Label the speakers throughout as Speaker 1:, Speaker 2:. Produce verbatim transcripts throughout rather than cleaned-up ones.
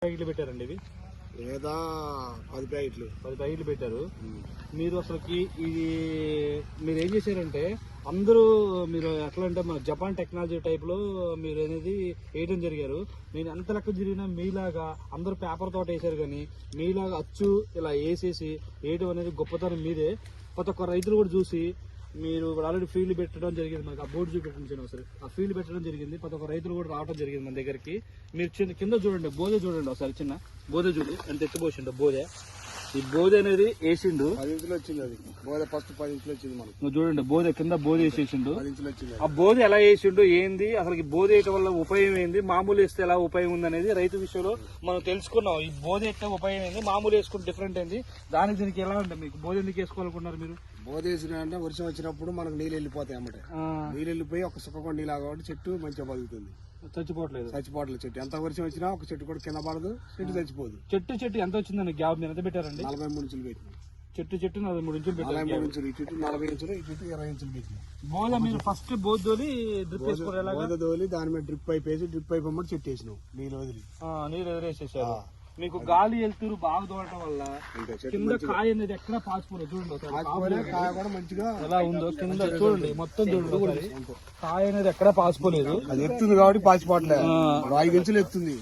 Speaker 1: ప్యాకెట్లు పెట్టారండి ఇవి
Speaker 2: లేదా పది ప్యాకెట్లు
Speaker 1: పది ప్యాకెట్లు పెట్టారు. మీరు అసలుకి ఇది మీరు ఏం చేశారంటే అందరూ మీరు ఎట్లా అంటే మన జపాన్ టెక్నాలజీ టైప్లో మీరు అనేది వేయడం జరిగారు. నేను ఎంత లెక్క జరిగినా మీలాగా అందరూ పేపర్ తోట వేసారు, కానీ మీలాగా అచ్చు ఇలా వేసేసి వేయడం అనేది గొప్పతనం మీదే. ప్రతి ఒక్క రైతులు కూడా చూసి మీరు ఆల్రెడీ ఫీల్డ్ పెట్టడం జరిగింది, మనకి ఆ బోర్డు చూపెట్టించాను ఒకసారి. ఆ ఫీల్డ్ పెట్టడం జరిగింది, ప్రతి ఒక్క రైతులు కూడా రావడం జరిగింది మన దగ్గరికి. మీరు చిన్న కింద చూడండి, బోధే చూడండి ఒకసారి, చిన్న బోధే చూడు ఎంత ఎత్తిపోసిండో బోధే. ఈ బోధ అనేది వేసిండు,
Speaker 2: పది ఇంచులు వచ్చింది. అది బోధ ఫస్ట్ పది ఇంచులు వచ్చింది మనకు.
Speaker 1: నువ్వు చూడండి బోధ కింద బోధ వేసేసిండు.
Speaker 2: పది ఇంచులు వచ్చింది.
Speaker 1: ఆ బోధ ఎలా వేసిండు, ఏంది అసలు బోధ వేయటం వల్ల ఉపయోగం ఏంది, మామూలు వేస్తే ఎలా ఉపయోగం ఉంది అనేది రైతు విషయంలో మనం తెలుసుకున్నాం. ఈ బోధ ఎట్లా ఉపయోగం ఏంది, మామూలు వేసుకుంటే డిఫరెంట్ ఏంది, దానికి దీనికి ఎలా ఉంటుంది. మీకు బోధ ఎందుకు వేసుకోవాలనుకున్నారు మీరు?
Speaker 2: బోధ వేసిన అంటే వర్షం వచ్చినప్పుడు మనకు నీళ్ళు వెళ్ళిపోతాయి అన్నమాట. నీళ్ళు వెళ్ళిపోయి ఒక సుఖకొండ నీళ్ళు కాబట్టి చెట్టు మంచిగా బతుకుతుంది,
Speaker 1: చచ్చిపోవట్లేదు.
Speaker 2: చచ్చిపోవట్లేదు చెట్టు. ఎంత వర్షం వచ్చినా ఒక చెట్టు కూడా కింద పడదు, చెట్టు చచ్చిపోదు.
Speaker 1: చెట్టు చెట్టు ఎంత వచ్చిందండి గ్యాప్ మీరు ఎంత పెట్టారండి?
Speaker 2: నలభై మూడు ఇంచులు పెట్టినాం.
Speaker 1: చెట్టు చెట్టు నలభై మూడు ఇంచులు పెట్టారు.
Speaker 2: నలభై మూడు ఇంచులు ఈ చెట్టు నలభై ఇంచులు, ఈ చెట్టు ఇరవై ఇంచులు పెట్టినాం.
Speaker 1: బోధ మీరు ఫస్ట్ బోధ తోలి డ్రిప్ వేసుకోవాలి.
Speaker 2: బోధ తోలి దాని మీద డ్రిప్ పైప్ వేసి డ్రిప్ పైప్ అమ్మటి చెట్టు వేసినాం. నీళ్ళు వదిలి
Speaker 1: నీళ్ళు ఎదురేసేసారు. మీకు గాలి వెళ్తూరు బాగా తోడటం వల్ల కింద కాయ అనేది ఎక్కడ పాచిపోలేదు. చూడండి
Speaker 2: కాయ కూడా మంచిగా
Speaker 1: ఎలా ఉందో కింద చూడండి, మొత్తం చూడండి కాయ అనేది ఎక్కడ పాచిపోలేదు.
Speaker 2: అది ఎత్తుంది కాబట్టి పాచిపోవట్లేదు. ఐదు ఇంచులు ఎత్తుంది.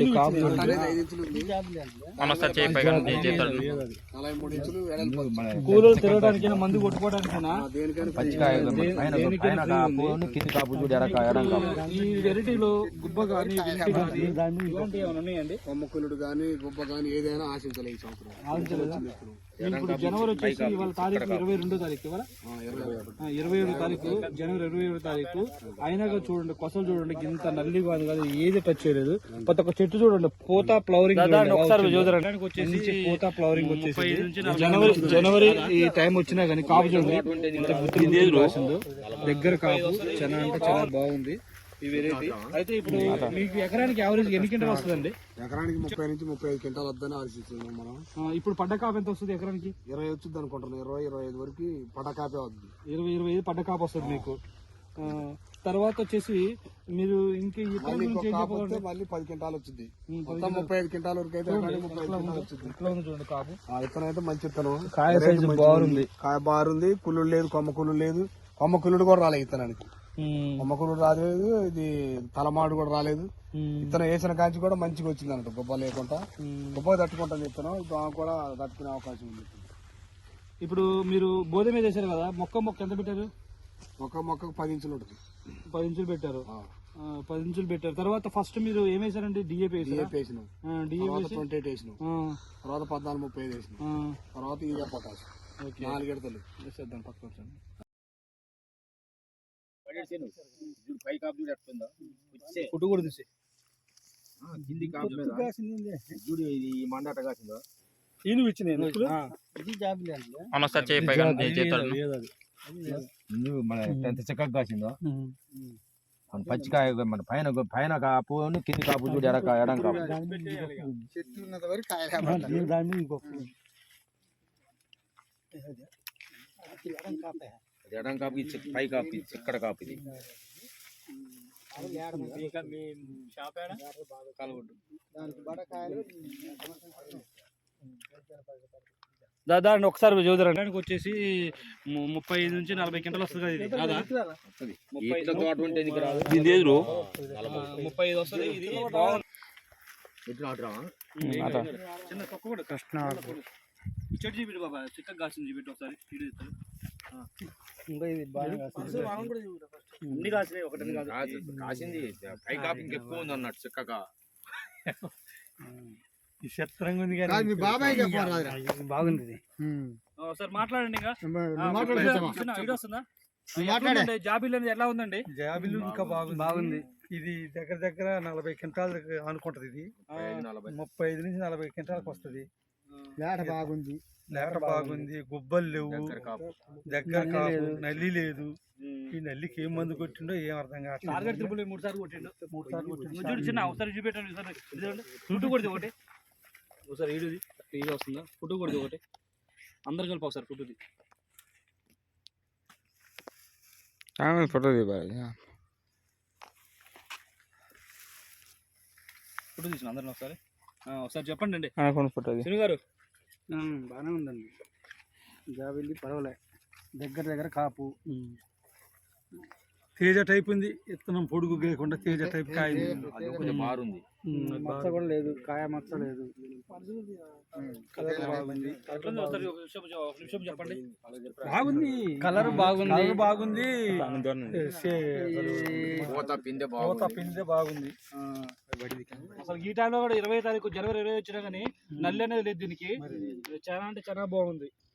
Speaker 2: నలభై మూడు ఇంచులు
Speaker 1: కూలర్ తిరగడానికి మందు కొట్టుకోవడానికైనా ఈ వెరైటీలో గుబ్బ కానీ ఇలాంటివి ఏమైనా ఉన్నాయండి?
Speaker 2: కొమ్మకులుడు గానీ గుబ్బ గానీ ఏదైనా ఆశించలేదు ఈ సంవత్సరం.
Speaker 1: ఇప్పుడు జనవరి వచ్చేసి ఇవాళ తారీఖు ఇరవై రెండో తారీఖు ఇవాళ ఇరవై ఏడో తారీఖు జనవరి ఇరవై ఏడో తారీఖు అయినాక చూడండి, కొసలు చూడండి ఇంత నల్లి కాదు కాదు ఏది టచ్ చేయలేదు. ప్రతి ఒక్క చెట్టు చూడండి పూత ఫ్లవరింగ్ వచ్చేసి పూత ఫ్లవరింగ్ వచ్చేసి జనవరి జనవరి ఈ టైం వచ్చినా కానీ కాపు చూడండి రాసిందో దగ్గర కాపు చాలా అంటే చాలా బాగుంది ఈ వెరైటీ. అయితే ఇప్పుడు మీకు ఎకరానికి యావరేజ్ ఎన్ని క్వింటాలు వస్తుందండి?
Speaker 2: ఎకరానికి ముప్పై నుంచి ముప్పై ఐదు క్వింటాలు వద్దని ఆలోచిస్తున్నాం మనం.
Speaker 1: ఇప్పుడు పడ్డ కాపు ఎంత వస్తుంది ఎకరానికి?
Speaker 2: ఇరవై వచ్చింది అనుకుంటున్నాం. ఇరవై ఇరవై ఐదు వరకు పడ్డ కాపే వద్దు.
Speaker 1: ఇరవై ఇరవై ఐదు పడ్డ కాపు వస్తుంది మీకు. తర్వాత వచ్చేసి మీరు ఇంకే
Speaker 2: మళ్ళీ పది క్వింటాలు వచ్చింది. మొత్తం ముప్పై ఐదు క్వింటాల వరకు అయితే ముప్పై ఐదు వచ్చింది.
Speaker 1: చూడండి కాపు.
Speaker 2: విత్తనం అయితే మంచి విత్తనం,
Speaker 1: కాయ సైజు బాగుంది,
Speaker 2: కాయ బారుంది. కుళ్ళు లేదు, కొమ్మ కుళ్ళు లేదు. కొమ్మ కుళ్ళుడు కూడా రాలేదు విత్తనానికి. కొమ్మ కుళ్ళుడు రాలేదు, ఇది తలమాడు కూడా రాలేదు. విత్తనం వేసిన కాంచి కూడా మంచిగా వచ్చింది అన్నట్టు, గొప్ప లేకుండా. గొప్ప తట్టుకుంటాను విత్తనం, దాని కూడా తట్టుకునే అవకాశం ఉంది.
Speaker 1: ఇప్పుడు మీరు బోధ మీద వేసారు కదా, మొక్క మొక్క ఎంత పెట్టారు?
Speaker 2: మొక్క మొక్కకు పది ఇంచులు ఉంటుంది.
Speaker 1: పది ఇంచులు పెట్టారు. పది ఇంచులు పెట్టారు. తర్వాత ఫస్ట్ మీరు ఏం వేసారండి? డిఏపీ
Speaker 2: డిఏపీ వేసినాం. డిఏపీ ట్వంటీ ఎయిట్ వేసినాం. తర్వాత పద్నాలుగు ముప్పై ఐదు వేసినాం. తర్వాత ఇదే పొటాష్ నాలుగు ఎడతలు వేసేద్దాం. పక్క ఫుడ్ కూడా తీసే చూడు, ఇది మండాట కాసిందో
Speaker 1: ఈను ఇచ్చిన
Speaker 2: చక్కగా కాసిందో పచ్చికాయ. మన పైన పైన కాపు కింది కాపు చూడు, ఎడ ఎడం కాపు. చెట్టు ఉన్నంత వరకు ఎడం కాపు, పై కాపు, చిక్కడ కాపు. ఇది
Speaker 1: దాదాపు ఒకసారి చూడడానికి వచ్చేసి ముప్పై ఐదు నుంచి నలభై క్వింటాలు వస్తుంది కదా. ఇది ముప్పై ఐదు వస్తుంది. ఇది చిన్న తొక్క కూడా కృష్ణ చెట్టు చూపెట్టు బాబా, చిక్కగా కాసింది చూపెట్టు ఒకసారి. అన్ని కాసినాయి, ఒకటి
Speaker 2: కాసింది. పై కాపు ఇంకెక్కువ ఉంది అన్నట్టు చిక్కగా.
Speaker 1: చిత్రంగా ఉంది కానీ బాగుంది. ఒకసారి మాట్లాడండి. జాబిల్ అనేది ఎలా ఉందండి?
Speaker 3: జాబిల్ ఇంకా బాగుంది బాగుంది ఇది దగ్గర దగ్గర నలభై క్వింటాల్ అనుకుంటది. ఇది ముప్పై ఐదు నుంచి నలభై క్వింటాలకు వస్తుంది.
Speaker 2: లేట బాగుంది,
Speaker 3: లేట బాగుంది. గుబ్బలు లేవు, దగ్గర కాపు, నల్లి లేదు. ఈ నల్లికి ఏం మందు కొట్టిండో ఏం అర్థం కావట్లేదు.
Speaker 1: మూడు సార్లు కొట్టిండు మూడు సార్లు కొట్టిండు చిన్న ఒకసారి చూపెట్టండి. ఫుడ్ కొడితే ఒకటి ఒకసారి ఈడుది ఈడు వస్తుందా? ఫుడ్ కొడితే ఒకటి అందరు కలిపి ఒకసారి ఫుడ్ది
Speaker 4: ఫోటో
Speaker 1: ఫుడ్ తీసిన అందరిని ఒకసారి. ఆ, ఒకసారి చెప్పండి అండి
Speaker 4: అనుకున్న ఫోటో అది.
Speaker 1: శని గారు.
Speaker 3: బాగానే ఉందండి. జాబిల్లి పర్వాలే, దగ్గర దగ్గర కాపు తేజ టైప్ ఉంది. విత్తనం పొడుగు లేకుండా తేజ టైప్ కాయ
Speaker 1: మారుంది,
Speaker 3: మచ్చ కూడా లేదు, కాయ మచ్చ లేదు, కలర్ బాగుంది.
Speaker 1: చెప్పండి.
Speaker 3: బాగుంది, కలర్ బాగుంది, కలర్ బాగుంది,
Speaker 5: పూత పిందె
Speaker 3: పూత పిందె బాగుంది.
Speaker 1: అసలు ఈ టైంలో కూడా ఇరవై తారీఖు జనవరి ఇరవై వచ్చినా కానీ నల్లి అనేది లేదు దీనికి. చాలా అంటే చాలా బాగుంది.